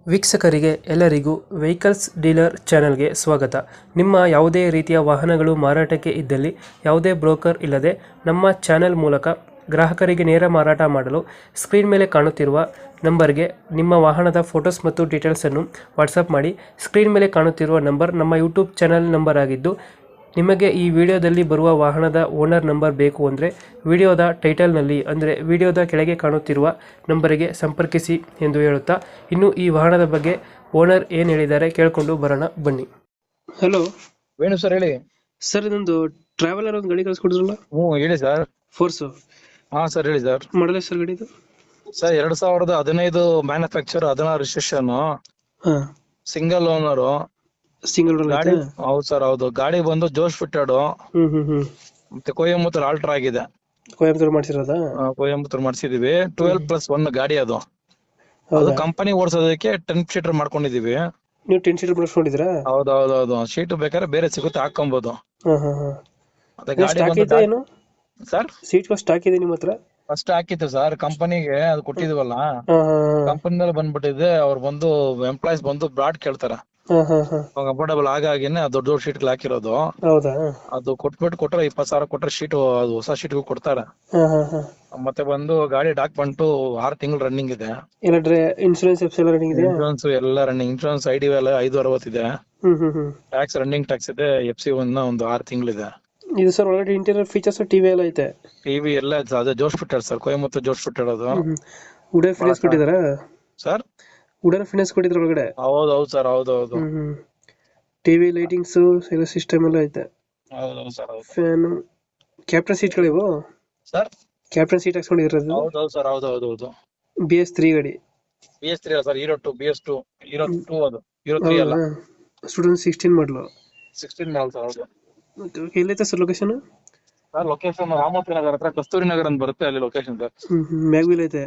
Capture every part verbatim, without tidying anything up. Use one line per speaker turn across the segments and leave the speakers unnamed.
ವೀಕ್ಷಕರಿಗೆ ಎಲ್ಲರಿಗೂ vehicles dealer ಚಾನೆಲ್ಗೆ ಸ್ವಾಗತ. ನಿಮ್ಮ ಯಾವುದೇ ರೀತಿಯ ವಾಹನಗಳು ಮಾರಾಟಕ್ಕೆ ಇದ್ದಲ್ಲಿ ಯಾವುದೇ ಬ್ರೋಕರ್ ಇಲ್ಲದೆ ನಮ್ಮ ಚಾನೆಲ್ ಮೂಲಕ ಗ್ರಾಹಕರಿಗೆ ನೇರ ಮಾರಾಟ ಮಾಡಲು ಸ್ಕ್ರೀನ್ ಮೇಲೆ ಕಾಣುತ್ತಿರುವ ನಂಬರ್ಗೆ ನಿಮ್ಮ ವಾಹನದ ಫೋಟೋಸ್ ಮತ್ತು ಡೀಟೇಲ್ಸನ್ನು ವಾಟ್ಸಪ್ ಮಾಡಿ. ಸ್ಕ್ರೀನ್ ಮೇಲೆ ಕಾಣುತ್ತಿರುವ ನಂಬರ್ ನಮ್ಮ ಯೂಟ್ಯೂಬ್ ಚಾನೆಲ್ ನಂಬರ್ ಆಗಿದ್ದು, ನಿಮಗೆ ಈ ವಿಡಿಯೋದಲ್ಲಿ ಬರುವ ವಾಹನದ ಓನರ್ ನಂಬರ್ ಬೇಕು ಅಂದರೆ ವಿಡಿಯೋದ ಟೈಟಲ್ನಲ್ಲಿ ಅಂದರೆ ವಿಡಿಯೋದ ಕೆಳಗೆ ಕಾಣುತ್ತಿರುವ ನಂಬರಿಗೆ ಸಂಪರ್ಕಿಸಿ ಎಂದು ಹೇಳುತ್ತಾ, ಇನ್ನು ಈ ವಾಹನದ ಬಗ್ಗೆ ಓನರ್ ಏನು ಹೇಳಿದ್ದಾರೆ ಕೇಳಿಕೊಂಡು ಬರೋಣ ಬನ್ನಿ. ಹಲೋ
ವೇಣು ಸರ್ ಹೇಳಿ.
ಸರ್, ಇದೊಂದು ಟ್ರಾವೆಲರ್ ಒಂದು ಗಾಡಿ ಕಳಿಸ್ಕೊಡಿದ್ರಲ್ಲ,
ಹ್ಞೂ ಹೇಳಿ ಸರ್.
ಫೋರ್ಸು
ಹಾ ಸರ್ ಹೇಳಿ ಸರ್.
ಮಾಡಲೇ ಸರ್ ಗಾಡಿದು?
ಸರ್ ಎರಡ್ ಸಾವಿರದ ಹದಿನೈದು ಮ್ಯಾನುಫ್ಯಾಕ್ಚರ್, ಹದಿನಾರು ರಿಜಿಸ್ಟ್ರೇಷನ್,
ಹಾಂ,
ಸಿಂಗಲ್ ಓನರು
ಸಿಂಗಲ್
ಗಾಡಿ. ಹೌದು ಸರ್, ಹೌದು. ಗಾಡಿ ಬಂದು ಜೋಶ್ ಫಿಟ್ಟೆಡ್
ಹ್ಞೂ ಹ್ಞೂ ಹ್ಞೂ
ಮತ್ತೆ ಕೊಯಂಬತ್ತೂರ್ ಆಲ್ಟ್ರಾ ಆಗಿದೆ.
ಕೊಯಂಬತ್ತೂರು ಮಾಡಿಸಿರೋದಾ?
ಆ, ಕೊಯಂಬತ್ತೂರ್ ಮಾಡಿಸಿದೀವಿ. ಟ್ವೆಲ್ ಪ್ಲಸ್ ಒನ್ ಗಾಡಿ ಅದು. ಅದು
ಹೌದಾ?
ಕಂಪನಿ ಓಡಿಸೋದಕ್ಕೆ ಟೆನ್ ಸೀಟರ್ ಮಾಡ್ಕೊಂಡಿದೀವಿ.
ನೀವು ಟೆನ್ ಸೀಟರ್ ಮಾಡಿಸ್ಕೊಂಡಿದ್ದೀರಾ?
ಹೌದು ಹೌದು ಹೌದು. ಶೀಟ್ ಬೇಕಾದ್ರೆ ಬೇರೆ ಸಿಗುತ್ತೆ, ಹಾಕೊಬಹುದು.
ಹಾಂ ಹಾಂ ಹಾಂ.
ಮತ್ತೆ ಗಾಡಿ
ಸ್ಟಾಕ್
ಬಂದು
ಇದೆ ಏನು?
ಸರ್
ಸೀಟ್ ಸ್ಟಾಕ್ ಇದೆ ನಿಮ್ಮ ಹತ್ರ?
ಫಸ್ಟ್ ಹಾಕಿತ್ತು ಸರ್, ಕಂಪನಿಗೆ ಅದು ಕೊಟ್ಟಿದೀವಲ್ಲ,
ಹಾಂ ಹಾಂ
ಕಂಪನಿನಲ್ಲಿ ಬಂದ್ಬಿಟ್ಟಿದೆ. ಅವ್ರು ಬಂದು ಎಂಪ್ಲಾಯ್ಸ್ ಬಂದು ಬ್ರಾಡ್ ಕೇಳ್ತಾರ.
ಹಾಂ ಹಾಂ ಹಾಂ.
ಕಂಫರ್ಟಬಲ್ ಆಗಾಗಿನೇ ದೊಡ್ಡ ದೊಡ್ಡ ಶೀಟ್ ಹಾಕಿರೋದು.
ಹೌದಾ?
ಅದು ಕೊಟ್ಬಿಟ್ಟು ಕೊಟ್ರೆ ಇಪ್ಪತ್ ಸಾವಿರ ಕೊಟ್ರೆ ಶೀಟ್, ಅದು ಹೊಸ ಶೀಟ್ಗೂ ಕೊಡ್ತಾರೆ.
ಹಾಂ ಹಾಂ ಹಾಂ.
ಮತ್ತೆ ಬಂದು ಗಾಡಿ ಡಾಕ್ಯುಮೆಂಟ್ ಆರು ತಿಂಗಳು ರನ್ನಿಂಗ್ ಇದೆ.
ಎಲ್ಲ ಡ್ರೈ ಇನ್ಶೂರೆನ್ಸ್ ಎಫ್ಸ್ ಎಲ್ಲ ರನ್ನಿಂಗ್ ಇದೆಯಾ?
ಇನ್ಶೂರೆನ್ಸ್ ಎಲ್ಲ ರನ್ನಿಂಗ್. ಇನ್ಶೂರೆನ್ಸ್ ಐ ಡಿ ಎಲ್ಲ ಐದು ಅರವತ್ತಿದೆ.
ಹ್ಮ್ ಹ್ಮ್ ಹ್ಮ್.
ಟ್ಯಾಕ್ಸ್ ರನ್ನಿಂಗ್ ಟ್ಯಾಕ್ಸ್ ಇದೆ. ಎಫ್ ಸಿ ಒನ್ ಒಂದು ಆರು ತಿಂಗಳಿದೆ.
ಇದು ಸರ್ ಒಳಗಡೆ ಇಂಟೀರಿಯರ್ ಫೀಚರ್ಸ್ ಟಿವಿ ಎಲ್ಲ ಐತೆ?
ಟಿವಿ ಎಲ್ಲ ಅದೇ Josh fitted sir, Coimbatore Josh fitted ಅದು.
ವುಡನ್ ಫಿನಿಶ್ ಕೊಟ್ಟಿದಾರಾ
ಸರ್?
ವುಡನ್ ಫಿನಿಶ್ ಕೊಟ್ಟಿದ್ರ ಒಳಗಡೆ?
ಹೌದು ಹೌದು ಸರ್, ಹೌದು ಹೌದು.
ಹ್ಮ್ ಹ್ಮ್. ಟಿವಿ ಲೈಟಿಂಗ್ಸ್ ಎಲ್ಲ ಸಿಸ್ಟಮ್ ಎಲ್ಲ ಐತೆ.
ಹೌದು ಸರ್, ಹೌದು.
ಫ್ಯಾನ್, ಕ್ಯಾಪ್ಟನ್ ಸೀಟ್ಗಳಿವು?
ಸರ್
ಕ್ಯಾಪ್ಟನ್ ಸೀಟ್ ಹಾಕ್ಸ್ಕೊಂಡಿರೋದು?
ಹೌದು ಹೌದು ಸರ್, ಹೌದು ಹೌದು ಹೌದು.
ಬಿ ಎಸ್ ತ್ರೀ ಗಾಡಿ?
ಬಿ ಎಸ್ ತ್ರೀ ಅಲ್ಲ sir, hero two. B S two, hero two ಅದು, ಹೀರೋ ತ್ರೀ ಅಲ್ಲ.
ಸ್ಟೂಡೆಂಟ್ ಸಿಕ್ಸ್ಟೀನ್ ಮಾಡಲು?
ಸಿಕ್ಸ್ಟೀನ್ ಮಾಡಲ್ ಸರ್, ಹೌದು.
ಎಲ್ಲೈತೆ sir location?
Sir location Ramoti Nagar ಹತ್ರ ಕಸ್ತೂರಿ ನಗರ ಅಂತ ಬರುತ್ತೆ, ಅಲ್ಲಿ ಲೊಕೇಶನ್ ಸರ್.
ಹ್ಮ್ ಹ್ಮ್. ಮ್ಯಾಗ್ವಿಲ್ ಐತೆ?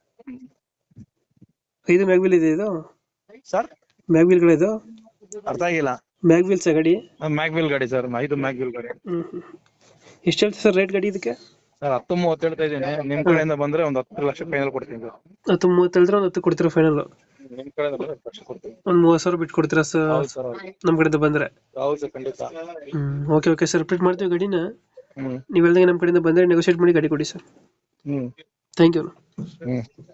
ಇದು ಮ್ಯಾಗ್ವಿಲ್ ಇದೆ ಇದು?
ಸರ್
ಮ್ಯಾಗ್ವಿಲ್ ಗಾಡಿ ಇದು?
ಅರ್ಥ ಆಗಿಲ್ಲ.
ಮ್ಯಾಗ್ವಿಲ್ಸ್ ಗಾಡಿ?
ಮ್ಯಾಗ್ವಿಲ್ ಗಾಡಿ ಸರ್, ಐದು ಮ್ಯಾಗ್ವಿಲ್ ಗಾಡಿ.
ಹ್ಮ್ ಹ್ಮ್. ಎಷ್ಟು ಹೇಳ್ತೀವಿ ಸರ್ ರೇಟ್ ಗಾಡಿ ಇದಕ್ಕೆ?
ಸರ್ ಹತ್ತು ಮೂವತ್ತು ಹೇಳ್ತಾ ಇದ್ದೀನಿ. ನಿಮ್ ಕಡೆಯಿಂದ ಬಂದ್ರೆ ಒಂದು ಹತ್ತು ಲಕ್ಷ ಫೈನಲ್ ಕೊಡ್ತೀನಿ ಸರ್.
ಹತ್ತು ಮೂವತ್ತು ಹೇಳಿದ್ರೆ ಒಂದು ಹತ್ತು ಕೊಡ್ತೀರಾ ಫೈನಲ್?
ನಿಮ್ ಕಡೆಯಿಂದ ಬಂದ್ರೆ ಹತ್ತು ಲಕ್ಷ ಕೊಡ್ತೀನಿ.
ಒಂದು ಮೂವತ್ತು ಸಾವಿರ ಬಿಟ್ಟು ಕೊಡ್ತೀರಾ ಸರ್
ಹೌದು ಸರ್, ಹೌದು.
ನಮ್ಮ ಕಡೆಯಿಂದ ಬಂದರೆ?
ಹೌದು ಸರ್, ಖಂಡಿತ.
ಹ್ಮ್. ಓಕೆ ಓಕೆ ಸರ್, ರಿಪೀಟ್ ಮಾಡ್ತೀವಿ ಗಾಡಿನ.
ಹ್ಮ್
ನೀವು ಹೇಳ್ದಂಗೆ ನಮ್ಮ ಕಡೆಯಿಂದ ಬಂದರೆ ನೆಗೋಷಿಯೇಟ್ ಮಾಡಿ ಗಾಡಿ ಕೊಡಿ ಸರ್.
ಹ್ಮ್
ಥ್ಯಾಂಕ್ ಯು.
ಹ್ಮ್